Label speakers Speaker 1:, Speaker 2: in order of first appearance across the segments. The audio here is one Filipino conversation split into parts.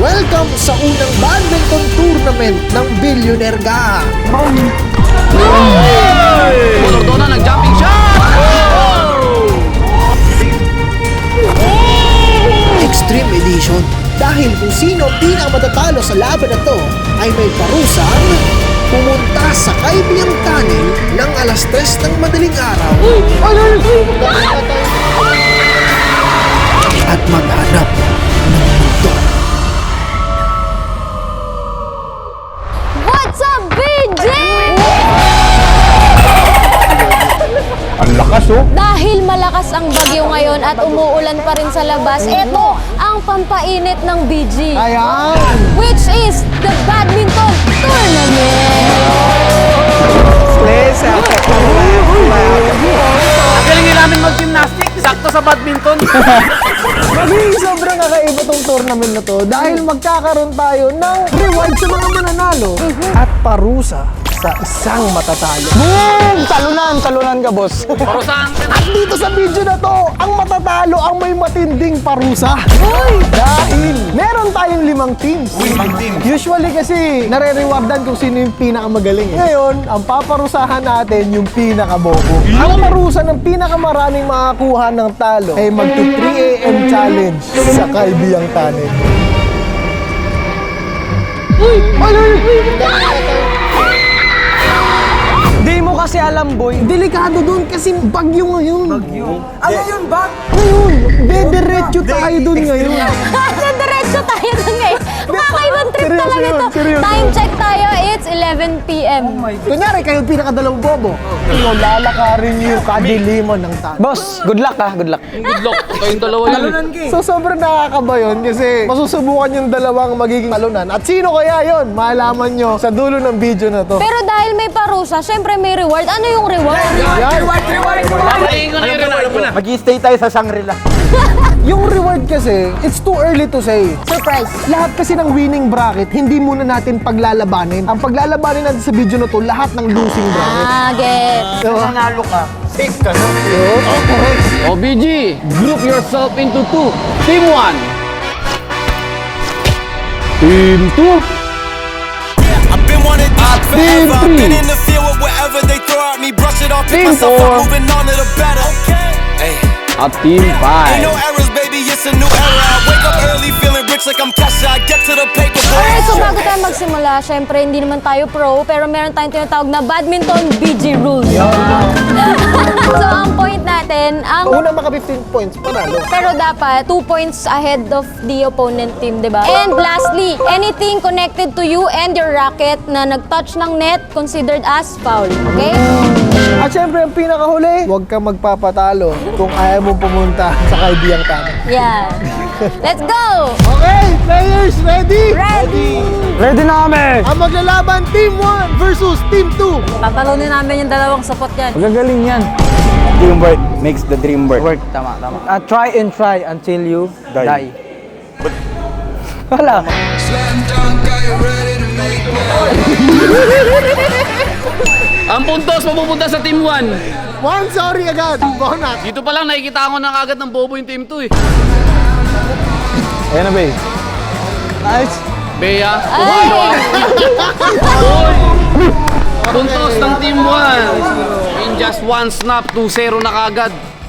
Speaker 1: Welcome sa unang badminton tournament ng Billionaire Gang.
Speaker 2: Molordona nag-jumping shot!
Speaker 1: Extreme Edition. Dahil kung sino ang pinakamatatalo sa laban na to ay may parusang pumunta sa Kaibiyang Tunnel ng alas 3 ng madaling araw at maghanap ng mundo.
Speaker 3: What's up, BJ?
Speaker 4: Ang lakas oh.
Speaker 3: Dahil malakas ang bagyo ngayon at umuulan pa rin sa labas, ito ang pampainit ng BG.
Speaker 1: Ayan!
Speaker 3: Which is the badminton tournament.
Speaker 2: Ang galing nila namin mag-gymnastic, sakto sa badminton.
Speaker 1: Magiging sobrang kakaiba tong tournament na to dahil magkakaroon tayo ng reward sa mga mananalo at parusa sa isang matatalo. Boom! Talunan ka, boss.
Speaker 2: Parusahan ka na.
Speaker 1: At dito sa video na to, ang matatalo ang may matinding parusa. Dahil meron tayong 5 teams. Usually kasi nare-rewardan kung sino yung pinakamagaling. Ngayon, ang paparusahan natin yung pinakabobo. Ang parusa ng pinakamaraming makakuha ng talo ay magto 3 AM challenge sa Kaibiyang Tunnel.
Speaker 5: Di mo kasi alam, boy.
Speaker 1: Delikado doon kasi bagyo ngayon.
Speaker 5: Ano yun ba?
Speaker 1: Ngayon, dediretso tayo doon ngayon.
Speaker 3: Diretso tayo dun ngayon. Kakaibang trip
Speaker 1: Seryoso
Speaker 3: talaga
Speaker 1: yun,
Speaker 3: ito.
Speaker 1: seryoso.
Speaker 3: Time check tayo, it's 11 PM.
Speaker 1: Kunyari, kayo yung pinakadalawang bobo. Lalakarin niyo yung kadiliman ng tunnel.
Speaker 5: Boss, good luck ah, good luck.
Speaker 2: Good luck, kayong dalawa yun.
Speaker 1: So sobrang nakakaba yun kasi masusubukan yung dalawang magiging talunan. At sino kaya yun? Malaman nyo sa dulo ng video na to.
Speaker 3: Pero dahil may parusa, syempre may reward. Ano yung reward?
Speaker 1: Yan.
Speaker 2: Papatingin ko na yung reward mo na.
Speaker 4: Mag-i-stay tayo sa Shangri-La.
Speaker 1: Yung reward kasi, it's too early to say.
Speaker 3: Surprise.
Speaker 1: Lahat kasi ng winning bracket, hindi muna natin paglalabanin. Ang paglalabanin natin sa video na to, lahat ng losing bracket.
Speaker 3: Get.
Speaker 1: Diba?
Speaker 4: Nanalo ka. Safe ka na.
Speaker 2: O BG, group yourself into 2. Team 1. Team 2.
Speaker 6: I've been wanting this
Speaker 2: Team
Speaker 6: forever. I've been
Speaker 2: 3.
Speaker 6: in the field with whatever they throw at me. Brush it off, pick
Speaker 2: Team
Speaker 6: myself
Speaker 2: 4.
Speaker 6: up, moving on to the better. Hey.
Speaker 2: At Team
Speaker 6: Ain't
Speaker 2: 5.
Speaker 6: no errors, baby, it's a new era. I wake up early, feeling rich like I'm Kesha. I get to the paper, boy.
Speaker 3: Alright, so bago tayo magsimula, syempre hindi naman tayo pro, pero meron tayong tinatawag na badminton BG rules. So ang point natin,
Speaker 1: Una maka 15 points, panalo.
Speaker 3: pero dapat 2 points ahead of the opponent team, di ba? And lastly, anything connected to you and your racket na nag-touch ng net considered as foul, okay?
Speaker 1: At syempre, ang pinakahuli, huwag kang magpapatalo kung ayaw mong pumunta sa Kaibiyang Tunnel.
Speaker 3: Yeah. Let's go!
Speaker 1: Okay, players, ready?
Speaker 3: Ready!
Speaker 5: Ready na kami!
Speaker 1: Ang maglalaban, Team 1 versus Team 2.
Speaker 3: Tatalunin namin yung dalawang support yan.
Speaker 5: Magagaling yan.
Speaker 4: Teamwork makes the dream work.
Speaker 5: Work, tama. Try and try until you die. Wala.
Speaker 2: Ang puntos mapupunta sa Team 1.
Speaker 1: One, sorry agad. Bonus.
Speaker 2: Dito pa lang nakikita ko na agad ng bobo yung Team 2 eh.
Speaker 5: Ayan na, babe. Nice.
Speaker 2: Bea,
Speaker 3: Ay!
Speaker 2: puntos ng Team 1. In just one snap, 2-0 na kagad.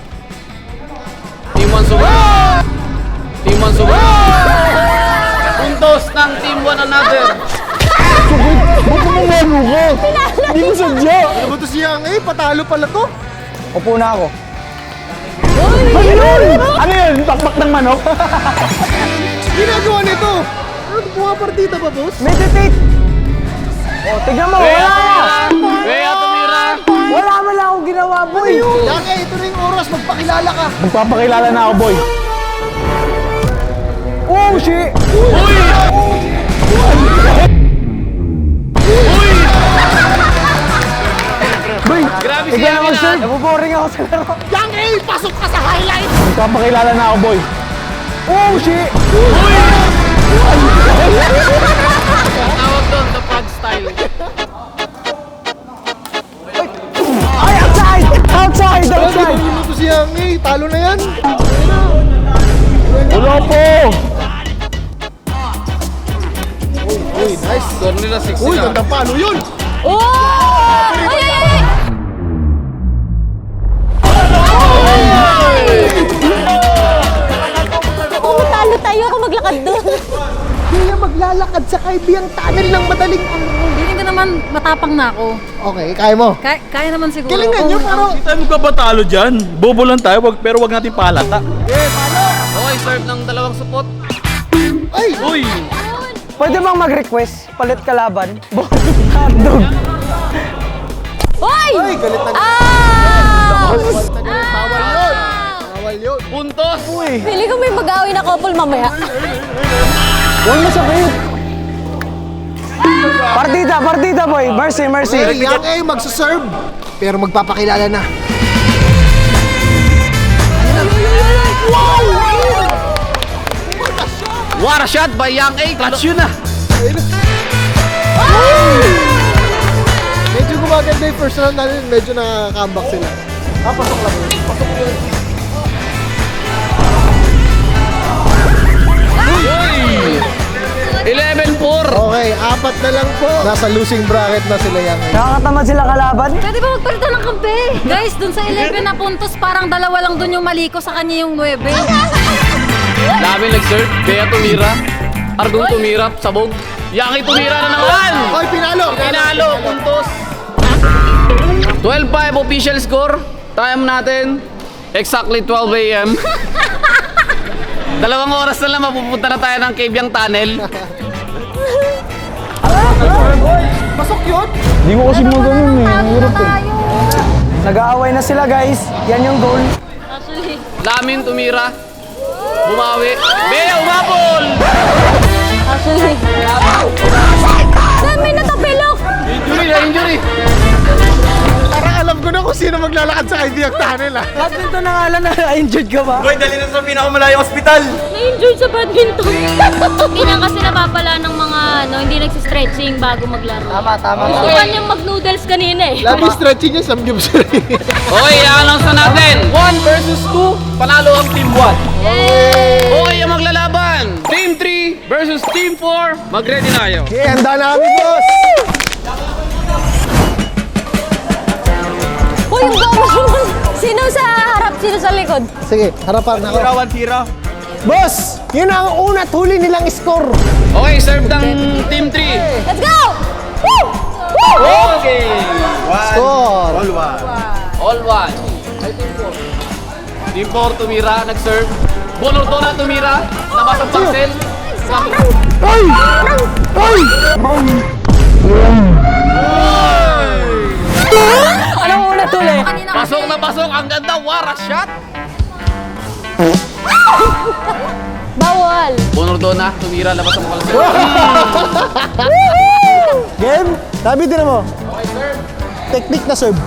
Speaker 2: Team 1 sumunod. Team 1 sumunod. Puntos ng Team 1 another.
Speaker 1: Hindi mo sadya. Ano ba ito siyang, patalo pala to.
Speaker 5: Upo na ako.
Speaker 4: Ano yun? Bakbak ng manok?
Speaker 1: Ginagawa nito. Ano, pumapartita ba, boss?
Speaker 5: Meditate! O, tignan mo,
Speaker 2: Bea,
Speaker 5: wala na!
Speaker 2: tumira. Bea, tumira.
Speaker 5: Wala man lang akong ginawa, boy!
Speaker 1: Yang, ito na yung oras. Magpakilala ka.
Speaker 4: Magpapakilala na ako, boy.
Speaker 5: Oh, shit!
Speaker 2: Grabe
Speaker 5: Ikaw
Speaker 2: siya
Speaker 5: na mag-serve! Nabuboring ako sa laro.
Speaker 1: Yang, pasok ka sa highlight.
Speaker 4: Magpapakilala na ako, boy.
Speaker 5: Oh, shit!
Speaker 2: Tawag doon, the pug style.
Speaker 5: Ay, outside! Outside! Outside!
Speaker 1: Ano to siyang, talo na yan.
Speaker 4: Ulo po!
Speaker 1: nice.
Speaker 2: Score nila 6
Speaker 1: Uy,
Speaker 2: sila.
Speaker 1: ganda palo yun.
Speaker 3: Oh! Ay, ay, ay! Kung matalo tayo, kung maglakad doon.
Speaker 1: Kaya maglalakad sa kaibiyang tunnel ng madaling
Speaker 7: Hindi ka naman matapang na ako.
Speaker 1: Okay, kaya mo.
Speaker 7: Kaya naman siguro.
Speaker 1: Galingan nyo, pero...
Speaker 4: Hindi tayo magbabatalo dyan. Bobo lang tayo, pero wag natin palata.
Speaker 2: Okay, serve ng dalawang supot.
Speaker 1: Ay!
Speaker 4: Uy!
Speaker 5: Pwede bang mag-request? Palit kalaban? Hotdog.
Speaker 3: Hoy!
Speaker 1: Ay, galit na galit.
Speaker 3: Ah!
Speaker 1: Bawal yun. Bawal yun.
Speaker 2: Puntos!
Speaker 3: Pili ko may mag-away na couple mamaya.
Speaker 5: Huwag masakit. Partida boy. Mercy.
Speaker 1: Okay, Yang A magsaserve. Pero magpapakilala na.
Speaker 2: What a shot by Yang A! Clutch yun ah!
Speaker 1: Medyo gumaganda yung first round natin. Medyo nakaka-comeback sila. Pasok lang yun. Pasok yun.
Speaker 2: Uy! 11-4!
Speaker 1: Okay, 4 na lang po. Nasa losing bracket na sila Yang A.
Speaker 5: Nakakatamad sila kalaban?
Speaker 7: Pwede ba magpalitan ng kampe? Guys, dun sa 11 na puntos, parang dalawa lang dun yung mali ko, sa kanya yung 9.
Speaker 2: Dami nag-serve. Kaya tumira. Argon tumira. Sabog. Yaki tumira na naman!
Speaker 1: Hoy, pinalo!
Speaker 2: Pinalo! Puntos! 12-5 official score. Time natin. Exactly 12 a.m. 2 oras na lang mapupunta na tayo ng Cavyang Tunnel.
Speaker 1: Pasok yun!
Speaker 5: Hindi ko kasi mo ganun eh. Ang hirap eh. Nag-aaway na sila guys. Yan yung goal.
Speaker 2: Lamin tumira. Bumawi. Bea, umabol!
Speaker 3: Actually. Saan may natapilok?
Speaker 2: Injury na injury.
Speaker 1: Parang alam ko na kung sino maglalakad sa kaibiyang tunnel ah.
Speaker 5: Badminton na nga lang na-injured ka ba?
Speaker 6: Boy, dali na sa pinakamalayong ospital.
Speaker 3: Na-injured sa badminton. Hindi na kasi napapala ng mga hindi nagsistretching bago maglaro.
Speaker 5: Tama.
Speaker 3: Gusto pa niyang mag-noodles kanina eh.
Speaker 1: Lagi stretching niya, samgyup siya.
Speaker 2: Okay, i-announce na natin. 1 versus 2. Panalo ang Team 1. Okay, ang maglalaban. Team 3 versus Team 4. Mag-ready na kayo.
Speaker 1: Okay, handa na kami, boss!
Speaker 3: Uy, yung gawin. Sino sa harap, sino sa likod?
Speaker 1: Sige, harapan ako.
Speaker 6: Tira.
Speaker 1: Boss, yun ang una at huli nilang score.
Speaker 2: Okay, serve ng Team 3.
Speaker 3: Let's go! Woo! Woo!
Speaker 2: Okay.
Speaker 1: Score.
Speaker 2: All one. Team 4 tumira, nag-serve. Bonordona tumira. Labas ang pangsel.
Speaker 5: Anong una tuloy?
Speaker 2: Pasok na pasok. Ang ganda. Wara shot.
Speaker 3: Bawal.
Speaker 2: Bonordona tumira. Labas ang pangsel.
Speaker 1: Game, sabi din mo. Okay, serve. Technique na serve.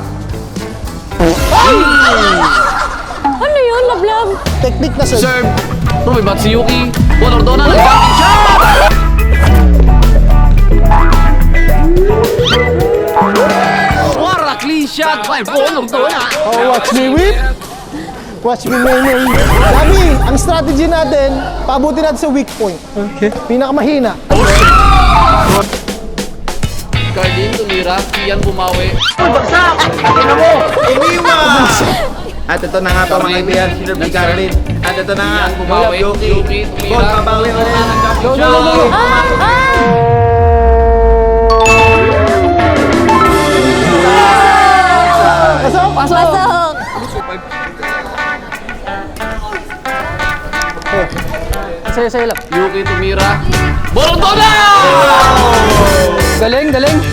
Speaker 3: Ano yun, lablab?
Speaker 1: Technique na serve.
Speaker 2: Serve. May bat si Yuki. Bonordona nag-jumping shot. Wara clean shot by Bonordona.
Speaker 1: Oh, watch me whip. Watch me may. Sabi, ang strategy natin, paabutin natin sa weak point. Okay. Pinakamahina.
Speaker 2: Cardin tumira. Kian bumawi.
Speaker 6: At ito na nga po mga kaibigan, si Lord Carlin. At ito na nga,
Speaker 2: Kian bumawi. Yuki
Speaker 6: Ball,
Speaker 2: tumira.
Speaker 6: babawi ulit.
Speaker 3: Pasok!
Speaker 5: Sa'yo lang.
Speaker 2: Yuki tumira. Bonordona!
Speaker 5: Galing.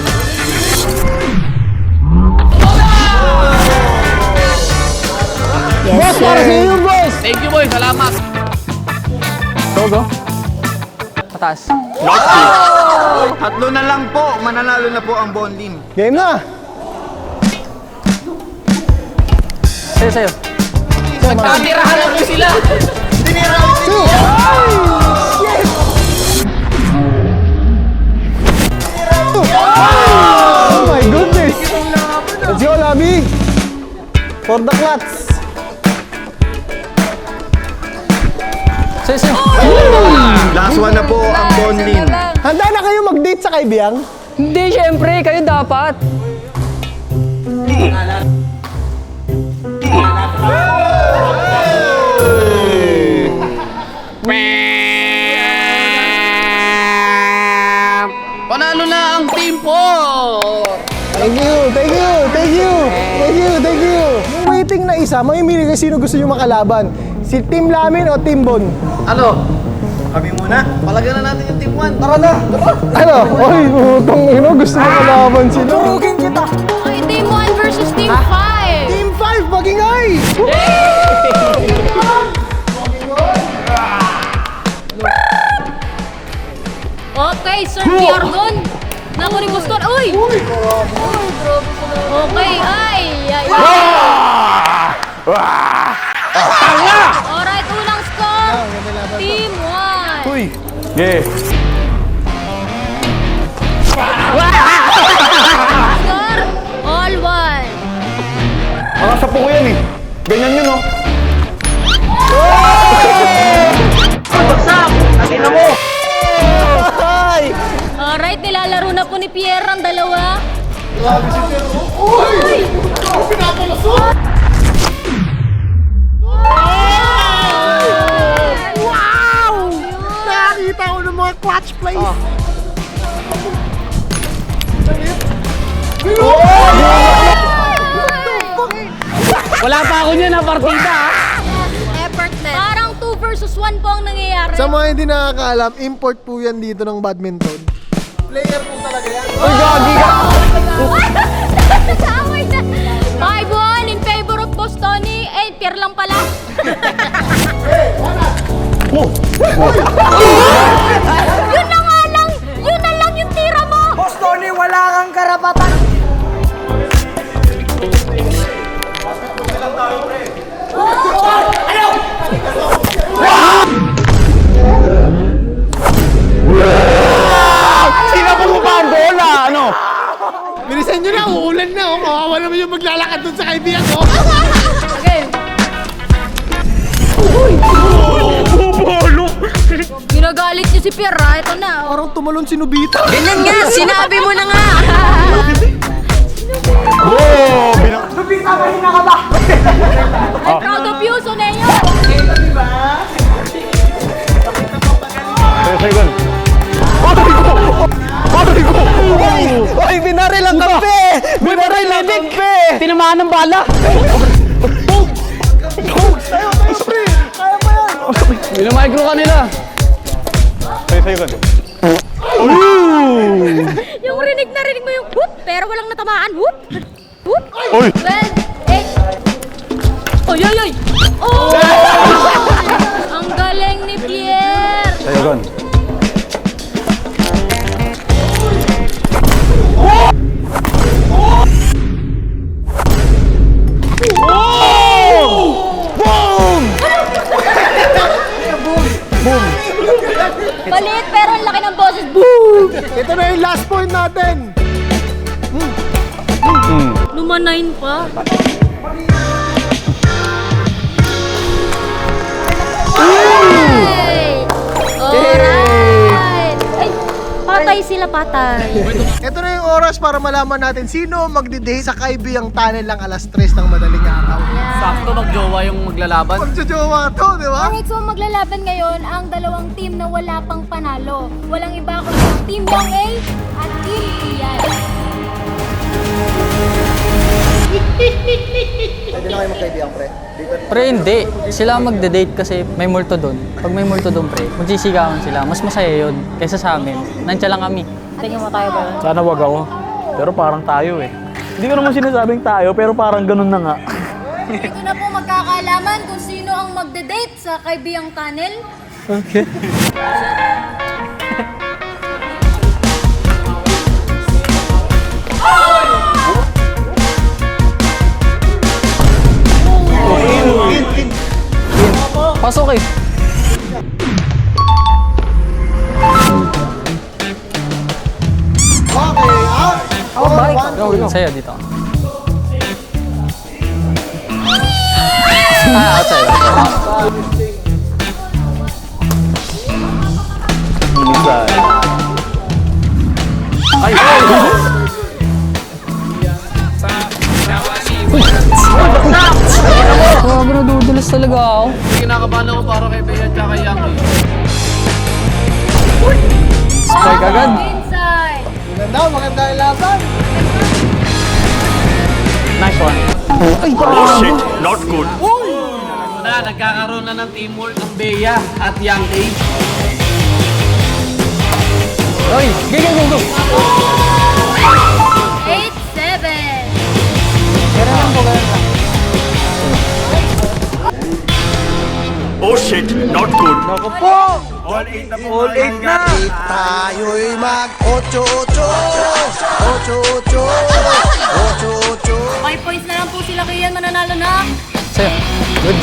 Speaker 1: Boss, para sa iyo, boss.
Speaker 2: Thank you boy. Salamat.
Speaker 5: Go. Pataas.
Speaker 6: Tatlo na lang po, mananalo na po ang Bonlin.
Speaker 1: Game na.
Speaker 5: Sa'yo.
Speaker 2: Nagtatirahan na po sila.
Speaker 1: Oh my goodness. Let's go, Labi. For the clats.
Speaker 5: Sa'yo.
Speaker 6: Last one na po ang Bonlin.
Speaker 1: Handa na kayo mag-deal. magde-date sa kaibiyang?
Speaker 5: Hindi, syempre, kayo dapat.
Speaker 2: Panalo na ang Team 4!
Speaker 1: Thank you, thank you, thank you, thank you, thank you. Yung waiting na isa, mamimili kayo sino gusto nyo makalaban. Si Team Lamin o Team Bon?
Speaker 2: Ano? Kami muna. Palagyan na natin yung Team 1.
Speaker 1: Tara na! Ano? Oy, utang ino, gusto mo makalaban sila.
Speaker 5: Turugin kita.
Speaker 3: Okay, Team 1 versus Team 5.
Speaker 1: Team 5, magingay!
Speaker 3: Okay, Sir Piardon. Naku ni Boston. Uy! Okay, ay! Alright, unang score. Team 1.
Speaker 4: Uy! Yeah.
Speaker 3: Score, all 1.
Speaker 4: Mga sapo ko yan eh. Ganyan yun oh.
Speaker 3: Alright, nilalaro na po ni Pierre ang dalawa.
Speaker 1: Wow! Nakakita ko ng mga clutch plays.
Speaker 2: Wala pa ako niyan na partida.
Speaker 3: Effortless. Parang 2 versus 1 po ang nangyayari.
Speaker 1: Sa mga hindi nakakaalam, import po yan dito ng badminton. Player po talaga yan.
Speaker 3: Nasaway na. 5-1 in favor of Bostoni. Eh, Pierre lang pala. Yun na nga lang. Yun na lang yung tira mo.
Speaker 5: Boss Tony, wala kang karapatan.
Speaker 4: Sinapon mo pa ang bola, ano?
Speaker 1: Bilisan nyo na, uulan na. Oh. Kawawa naman yung maglalakad dun sa kaibigan ko.
Speaker 4: Bubolo!
Speaker 3: Ginagalit niyo si Pierre, ha? Ito na.
Speaker 1: Parang tumalon si Nobita.
Speaker 3: Ganyan nga, sinabi mo na nga. I'm proud of you, Soneyo.
Speaker 4: Second.
Speaker 1: Oy, binaril ang kampe! Binaril ang kampe!
Speaker 5: Tinamaan ng bala.
Speaker 1: Tayo, pre! Kaya pa yan!
Speaker 2: Minamicro ka nila.
Speaker 4: Second.
Speaker 3: Yung rinig na rinig mo yung whoop, pero walang natamaan. Whoop! Whoop!
Speaker 4: Uy!
Speaker 3: 12, 8. Oy, oy, oy! Oh! Ang galing ni Pierre!
Speaker 4: Second.
Speaker 3: Palit, pero ang laki ng boses. Boom!
Speaker 1: Ito na yung last point natin.
Speaker 3: Lumanayin pa. Hey! Alright! Ay, patay sila, patay.
Speaker 1: Ito na yung oras para malaman natin sino magdi-date sa kaibiyang tunnel lang alas 3 ng madaling araw.
Speaker 2: Sakto magjowa yung maglalaban.
Speaker 1: Magjojowa to, di ba?
Speaker 3: Alright, so maglalaban ngayon ang dalawang team na wala pang panalo. Walang iba kundi ang Team Young A at Team Ian.
Speaker 1: Pwede na kayo magkaibiyang, pre.
Speaker 5: Pre, hindi. Sila ang magde-date kasi may multo doon. Pag may multo doon, pre, magsisigawan sila. Mas masaya yun kaysa sa amin. Nandiyan lang kami.
Speaker 3: Tingin mo tayo ba?
Speaker 4: Sana wag ako. Pero parang tayo eh. Hindi ko naman sinasabing tayo, pero parang ganun na nga.
Speaker 3: Ito na po magkakaalaman kung sino ang magde-date sa Kaibiyang Tunnel.
Speaker 5: Okay. Pasok eh.
Speaker 1: Okay, out!
Speaker 5: Go. Sa'yo dito. Outside.
Speaker 4: Minsan.
Speaker 5: talaga ako.
Speaker 2: Kinakabahan ako para kay Bea at kay Yankee.
Speaker 5: Strike agad.
Speaker 3: Inside.
Speaker 1: Maganda yung laban.
Speaker 4: Nice one.
Speaker 6: Shit, not good.
Speaker 2: Nagkakaroon na ng teamwork ang Bea at Yankee.
Speaker 5: Oy, go.
Speaker 3: 8-7.
Speaker 5: Ganun lang po, ganun lang.
Speaker 6: Oh shit, not good.
Speaker 4: All 8 na.
Speaker 1: Tayo'y mag-8-8. 8-8.
Speaker 7: 5 points na lang po sila kaya mananalo na.
Speaker 5: Sa'yo. Good.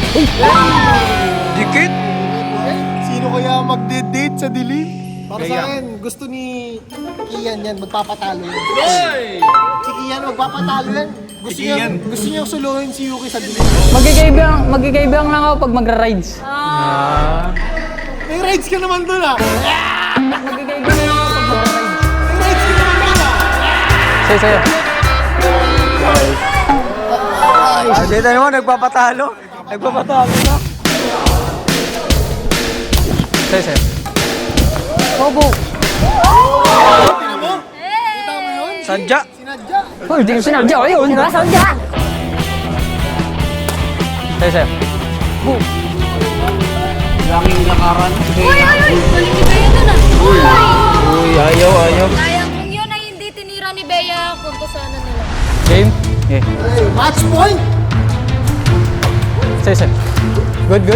Speaker 1: Sino kaya magde-date sa dilim? Para sa akin, gusto ni Kian yan, magpapatalo yan. Si Kian, magpapatalo yan. Gusto niya suluhin si Yuki sa dilim.
Speaker 5: Magkikaibang lang ako pag magra-rides.
Speaker 1: May rides ka naman doon ah!
Speaker 5: Magkikaibang lang ako pag magra-rides.
Speaker 1: May rides ka naman doon ah!
Speaker 5: Sa'yo.
Speaker 4: Dito naman, nagpapatalo. Nagpapatalo na.
Speaker 5: Sa'yo. Opo.
Speaker 1: Tingnan mo? Kita mo yun?
Speaker 4: Sadya.
Speaker 1: Sinadya.
Speaker 5: Oh, hindi ko sinadya ko yun.
Speaker 3: Sadya.
Speaker 5: Sa'yo.
Speaker 2: Yankee lakaran.
Speaker 7: Uy! Balik ni Bea na.
Speaker 4: Uy, ayaw.
Speaker 3: Sayang kung yun ay hindi tinira ni Bea, punto sana nila.
Speaker 5: Game? Yeah.
Speaker 1: Hey, match point!
Speaker 5: Sa'yo. Good.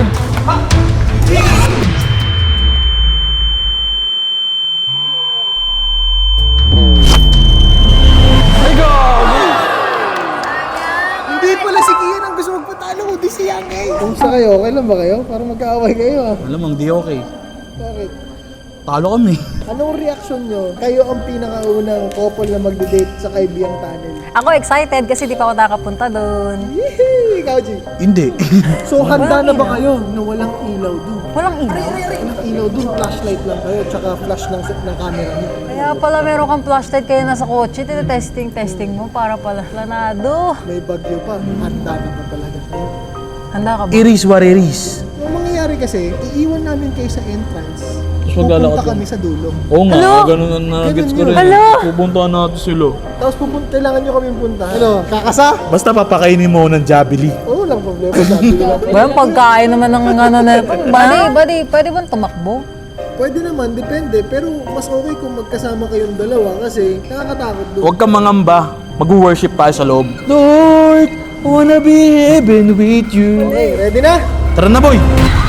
Speaker 1: Hindi pala si Kian ang gusto magpatalo, kundi si Yankee. Kumusta kayo? Okay lang ba kayo? Para magkaaway kayo ah.
Speaker 4: Alam mo, hindi okay.
Speaker 1: Bakit?
Speaker 4: Talo kami.
Speaker 1: Anong reaction nyo? Kayo ang pinakaunang couple na magde-date sa Kaibiyang Tunnel.
Speaker 7: Ako excited kasi di pa ako nakapunta doon.
Speaker 1: Yehey! Ikaw, G.
Speaker 4: Hindi.
Speaker 1: So, handa na ba kayo na walang ilaw doon?
Speaker 7: Walang ilaw.
Speaker 1: Walang ilaw doon, flashlight lang kayo, tsaka flash ng camera niyo.
Speaker 7: Kaya pala meron kang flashlight kayo nasa kotse, testing mo para pala planado.
Speaker 1: May bagyo pa, handa na ba talaga kayo?
Speaker 7: Handa ka ba?
Speaker 4: Iris what iris.
Speaker 1: Ang mangyayari kasi, iiwan namin kayo sa entrance.
Speaker 4: maglalakad
Speaker 1: Pupunta
Speaker 4: kami.
Speaker 1: kami sa dulo.
Speaker 4: Oo nga, ganun ang nagets ko
Speaker 1: Ganun
Speaker 4: rin.
Speaker 1: yun.
Speaker 4: Pupuntahan natin sila.
Speaker 1: Tapos kailangan nyo kami punta. Ano, kakasa?
Speaker 8: Basta papakainin mo ng Jabili.
Speaker 1: Oo, walang problema. Sabi ko lang.
Speaker 7: Ba yung pagkain naman ng ano na ito? Buddy, pwede ba tumakbo?
Speaker 1: Pwede naman, depende. Pero mas okay kung magkasama kayong dalawa kasi nakakatakot doon.
Speaker 4: Huwag kang mangamba. Mag-worship tayo sa loob. Lord, I wanna be heaven with you.
Speaker 1: Okay, ready na?
Speaker 4: Tara na, boy!